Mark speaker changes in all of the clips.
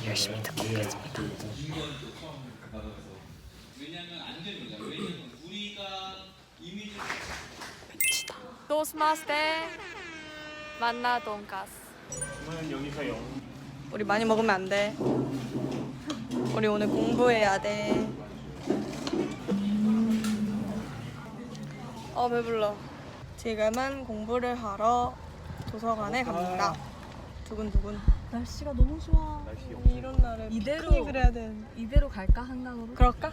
Speaker 1: 열심히 듣고 오겠습니다.
Speaker 2: 왜냐면 안전이다. 왜냐면 우리가 이미지
Speaker 3: 도스마스테 만나 돈가스.
Speaker 1: 저는 여기서요.
Speaker 3: 우리 많이 먹으면 안 돼. 우리 오늘 공부해야 돼. 배불러. 지금은 공부를 하러 도서관에 갑니다. 두근두근.
Speaker 4: 날씨가 너무 좋아.
Speaker 3: 아니, 이런 날에 피크닉을 해야 되는데.
Speaker 4: 이대로 갈까 한강으로?
Speaker 3: 그럴까?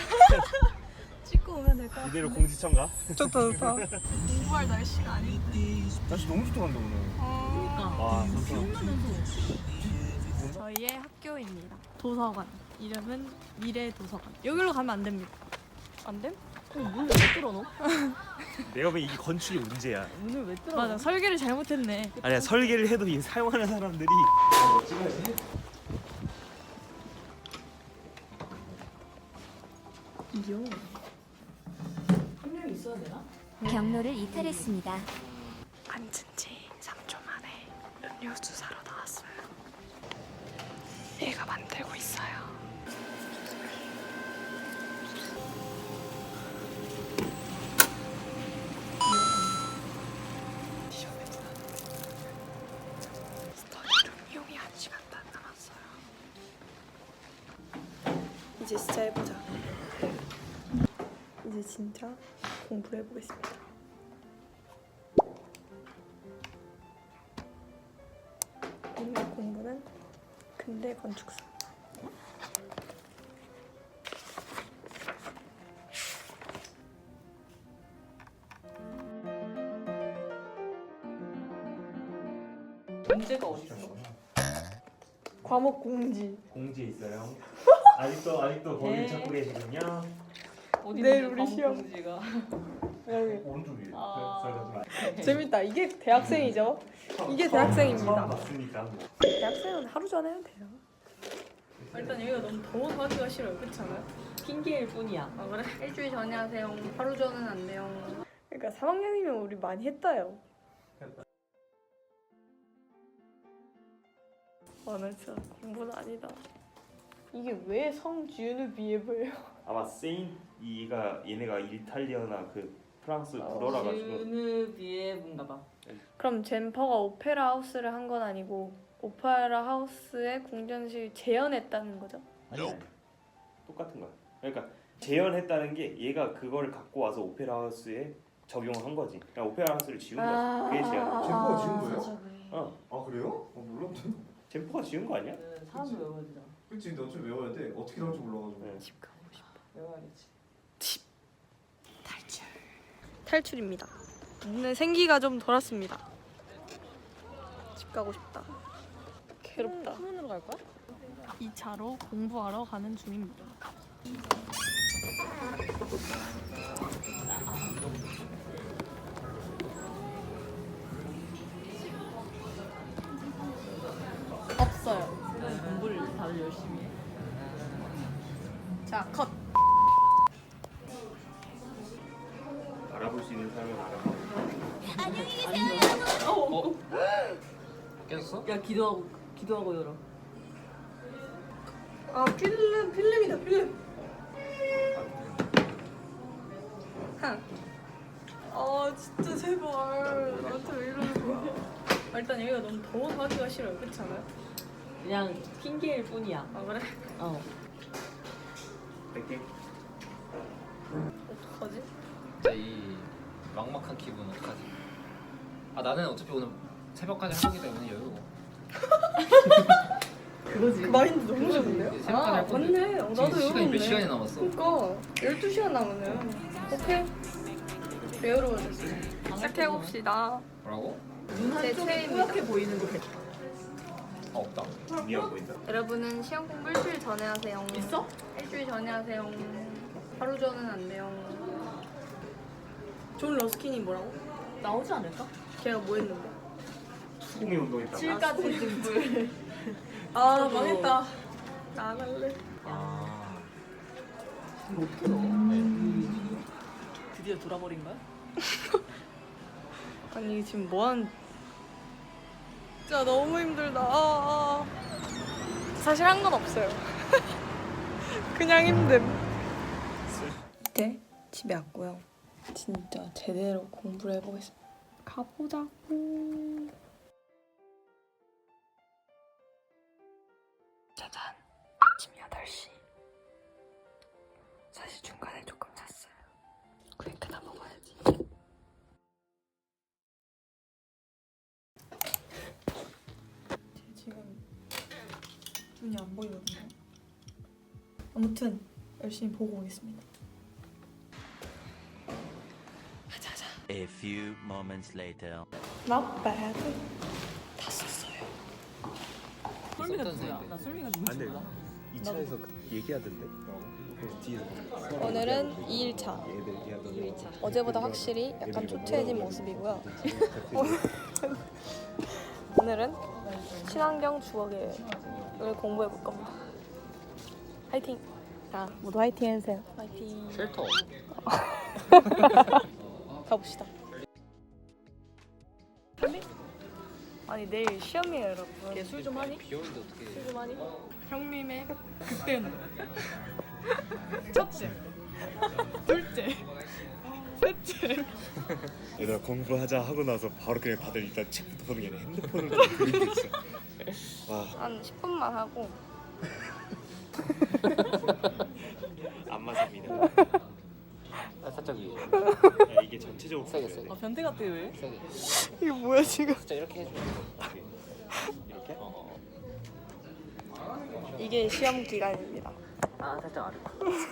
Speaker 4: 찍고 오면 될 것 같아.
Speaker 1: 이대로 공지천가?
Speaker 3: 좋다 좋다. 공부할 날씨가 아닌데.
Speaker 1: 날씨 너무 좋다 간다 오늘.
Speaker 4: 그러니까.
Speaker 1: 와,
Speaker 4: 비 오면서
Speaker 3: 저희의 학교입니다. 도서관. 이름은 미래 도서관. 여기로 가면 안 됩니다. 안 됨?
Speaker 4: 문을 왜 뚫어놓어?
Speaker 1: 내가 보기엔 이 건축이 문제야.
Speaker 4: 문을 왜 뚫어놓어?
Speaker 3: 맞아, 설계를 잘못했네.
Speaker 1: 아니야, 설계를 해도 이 사용하는 사람들이
Speaker 4: 분명 있어야 되나?
Speaker 5: 경로를 이탈했습니다.
Speaker 3: 앉은 지 3초 만에 음료수 사러 나왔어요. 얘가 만들고 있어요. 스터디룸 이용이 1시간도 안 남았어요. 이제 진짜 해보자. 이제 진짜 공부를 해보겠습니다. 오늘 공부는 근대 건축사.
Speaker 4: 문제가 어딨어?
Speaker 3: 과목 공지.
Speaker 1: 공지에 있어요. 아직도 거기를 찾고 계시군요.
Speaker 4: 어디
Speaker 3: 내일
Speaker 4: 있는데,
Speaker 3: 우리 시험.
Speaker 4: 공지가.
Speaker 3: 여기.
Speaker 1: 오른쪽 위에.
Speaker 4: 아.
Speaker 3: 재밌다. 이게 대학생이죠? 이게
Speaker 1: 처음
Speaker 3: 대학생입니다.
Speaker 1: 봤으니까.
Speaker 3: 대학생은 하루 전에 해도 돼요. 일단 여기가 너무 더워서 하기가 싫어요. 그렇지 않아요?
Speaker 4: 핑계일 뿐이야.
Speaker 3: 아 그래? 일주일 전에 하세요. 하루 전은 안 돼요. 그러니까 3학년이면 우리 많이 했다요. 나 진짜 공부는 아니다. 이게 왜 성지윤을 비해 보여요?
Speaker 1: 아마 얘네가 이탈리아나 그 프랑스 불어라 가지고
Speaker 4: 주누비에 뭔가 봐.
Speaker 3: 그럼 젠퍼가 오페라 하우스를 한 건 아니고 오페라 하우스의 궁전실 재현했다는 거죠?
Speaker 1: 아니 똑같은 거야. 그러니까 재현했다는 게 얘가 그거를 갖고 와서 오페라 하우스에 적용한 거지. 그냥 오페라 하우스를 지운 거야. 그게 재현.
Speaker 6: 젠퍼가 지은 거예요?
Speaker 1: 어,
Speaker 6: 아 그래요? 몰랐네.
Speaker 1: 젠퍼가 지은 거 아니야?
Speaker 4: 사람도 외워야 되잖아.
Speaker 6: 그치 근데 어차피 외워야 돼. 어떻게 나올지 몰라가지고.
Speaker 1: 네.
Speaker 3: 집 가고 싶어.
Speaker 4: 외워야겠지.
Speaker 3: 탈출입니다. 오늘 생기가 좀 돌았습니다. 집 가고 싶다. 괴롭다.
Speaker 4: 수문으로 갈 거야?
Speaker 3: 2차로 공부하러 가는 중입니다. 없어요.
Speaker 4: 공부를 다들 열심히 해.
Speaker 3: 자, 컷.
Speaker 1: 알아볼 수 있는 사람은 알아봐.
Speaker 2: 깼어?
Speaker 4: 야 기도하고 열어.
Speaker 3: 아, 필름이다, 필름. 진짜 제발. 나한테 왜 이러는 거야. 일단 여기가 너무 더워서 하기가 싫어요. 그렇지 않아요?
Speaker 4: 그냥 핑계일 뿐이야.
Speaker 3: 아, 그래?
Speaker 4: 어.
Speaker 1: 뺄게.
Speaker 3: 어떡하지?
Speaker 2: 진짜 이 막막한 기분 어떡하지? 나는 어차피 오늘 새벽까지 할 거기 때문에 여유.
Speaker 4: 그거지.
Speaker 3: 그 마인드 너무 좋은데요?
Speaker 2: 새벽까지 할 건데.
Speaker 3: 맞네. 나도
Speaker 2: 시간이 몇
Speaker 3: 여유롭네.
Speaker 2: 시간이 남았어?
Speaker 3: 그러니까 12시간 남았네요. 오케이. 여유로워졌어. 시작해봅시다.
Speaker 2: 뭐라고?
Speaker 4: 눈
Speaker 3: 제
Speaker 4: 한쪽이
Speaker 3: 체입니다.
Speaker 4: 뿌옇게 보이는 거
Speaker 2: 없다.
Speaker 1: 미안 보인다.
Speaker 3: 여러분은 시험 공부 일주일 전에 하세요.
Speaker 4: 있어?
Speaker 3: 일주일 전에 하세요. 하루 전은 안 돼요. 존 러스킨이 뭐라고?
Speaker 4: 나오지 않을까?
Speaker 3: 걔가 뭐 했는데?
Speaker 1: 수공의 운동했다.
Speaker 4: 7가지 등불.
Speaker 3: 아, 망했다. 나갈래.
Speaker 2: 아.
Speaker 4: 이거 어떻게 넣어? 드디어 돌아버린 거야?
Speaker 3: 아니 이게 지금 뭐하는? 진짜 너무 힘들다. 사실 한 건 없어요. 그냥 힘듦. 이제 집에 왔고요. 진짜 제대로 공부를 해보겠습니다. 가보자고. 짜잔. 아침 8시. 사실 중간에 조금 잤어요. 그러니까 다 먹어야지. 지금 눈이 안 보이거든요. 아무튼 열심히 보고 오겠습니다. 자자.
Speaker 7: A few moments later.
Speaker 3: Not bad. 다 썼어요.
Speaker 4: 쏠미가 누구야? 나 쏠미가 누군지 몰라.
Speaker 1: 2차에서 얘기하던데. 뒤에서
Speaker 3: 오늘은 2일차.
Speaker 1: 얘들 얘기하던데.
Speaker 3: 어제보다 확실히 약간 초췌해진 모습이고요. 오늘은 친환경 주거계획을 공부해 볼 겁니다. 화이팅! 자, 모두 화이팅 해주세요. 화이팅!
Speaker 2: 쉘터.
Speaker 3: 가봅시다. 아니 내일 시험이에요 여러분.
Speaker 4: 얘 술 좀 하니?
Speaker 2: 비 오는데 어떻게?
Speaker 4: 술 좀 하니?
Speaker 3: 형님의 그때는 첫째, 둘째, 셋째.
Speaker 1: 얘들아 공부하자 하고 나서 바로 그냥 다들 일단 책부터 보는 게 아니라 핸드폰을 들고 있어. 와,
Speaker 3: 한 10분만 하고
Speaker 1: 안 맞습니다.
Speaker 2: 살짝 위에.
Speaker 1: 야, 이게 전체적으로
Speaker 2: 세게,
Speaker 1: 보여야 돼.
Speaker 4: 아 변태 같아 왜?
Speaker 2: 세게.
Speaker 3: 이게 뭐야 지금?
Speaker 2: 살짝 이렇게 해줘.
Speaker 1: 이렇게?
Speaker 3: 이게 시험 기간입니다.
Speaker 2: 아 살짝 아래.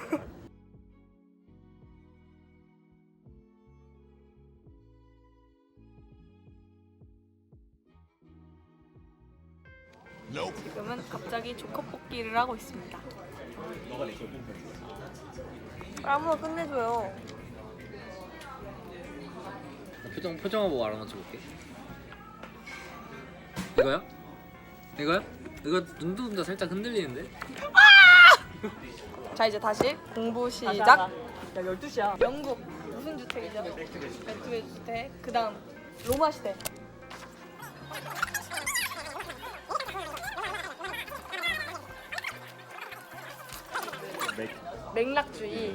Speaker 3: 지금은 갑자기 조커 뽑기를 하고 있습니다.
Speaker 1: 너가 내 기억
Speaker 3: 아무나 끝내줘요.
Speaker 2: 표정만 보고 알아맞혀 볼게. 이거야? 이거야? 이거 눈도 살짝 흔들리는데?
Speaker 3: 자 이제 다시 공부
Speaker 4: 야
Speaker 3: 시작.
Speaker 4: 12시야.
Speaker 3: 영국 무슨 주택이죠? 맥주의 주택. 그다음 로마 시대. 맥락주의.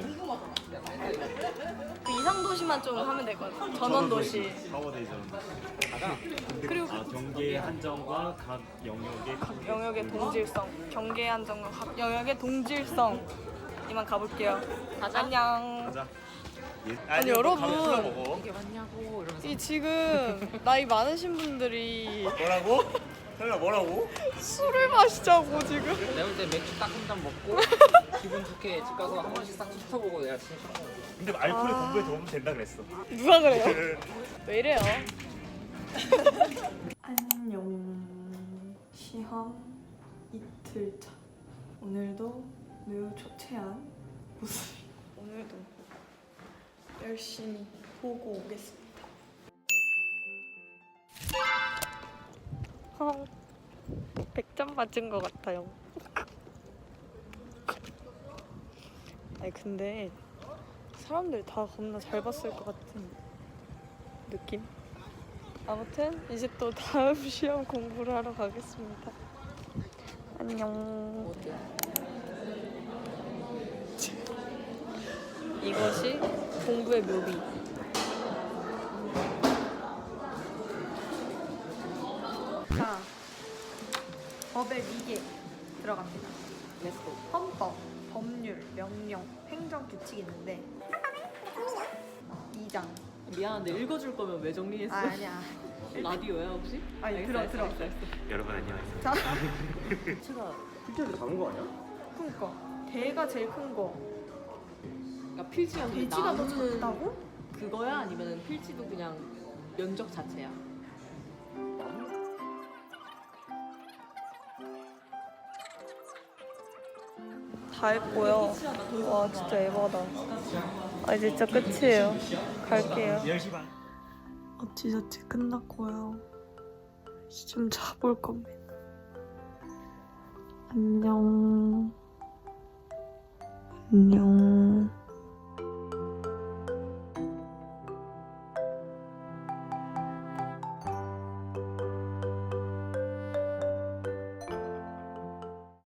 Speaker 3: 그 이상 도시만 좀 하면 될 것 같아요. 전원 도시.
Speaker 1: 파워데이전.
Speaker 3: 그리고
Speaker 1: 경계 한정과 각 영역의
Speaker 3: 영역의 동질성. 경계 안정과 각 영역의 동질성. 이만 가볼게요. 안녕.
Speaker 1: 가자.
Speaker 3: 아니 여러분
Speaker 1: 먹어.
Speaker 2: 이게 맞냐고 이러면서.
Speaker 3: 이 지금 나이 많으신 분들이
Speaker 1: 뭐라고? 설마 뭐라고?
Speaker 3: 술을 마시자고 지금.
Speaker 2: 내가 볼 때 맥주 딱 한 잔 먹고 기분 좋게 집 가서 한 번씩 싹 훑어보고 내가 진짜 싫어.
Speaker 1: 근데 알코올이 공부에 도움 된다 그랬어.
Speaker 3: 누가 그래요? 왜 이래요? 안녕. 시험 이틀차. 오늘도 매우 초췌한 모습. 오늘도 열심히 보고 오겠습니다. 100점 맞은 것 같아요. 아니 근데 사람들 다 겁나 잘 봤을 것 같은 느낌? 아무튼 이제 또 다음 시험 공부를 하러 가겠습니다. 안녕. 이것이 공부의 묘미. 자, 법의 위계 들어갑니다.
Speaker 4: 렛츠고.
Speaker 3: 헌법, 법률, 명령, 행정규칙이 있는데 2장.
Speaker 4: 미안한데 읽어줄 거면 왜 정리했어?
Speaker 3: 아니야.
Speaker 4: 라디오야 혹시?
Speaker 3: 아니
Speaker 4: 알겠어,
Speaker 3: 들어.
Speaker 4: 알겠어, 알겠어.
Speaker 1: 여러분 안녕하세요.
Speaker 3: 자,
Speaker 4: 제가
Speaker 1: 실제로 작은 거 아니야?
Speaker 3: 그니까 대가 제일 큰 거.
Speaker 4: 그러니까 필지가
Speaker 3: 돼지가 더 작다고?
Speaker 4: 그거야 아니면 필지도 그냥 면적 자체야?
Speaker 3: 다 했고요. 와 진짜 에바다. 아 이제 진짜 끝이에요. 갈게요.
Speaker 1: 10시 반.
Speaker 3: 어찌저찌 끝났고요. 이제 좀 자볼 겁니다. 안녕. 안녕.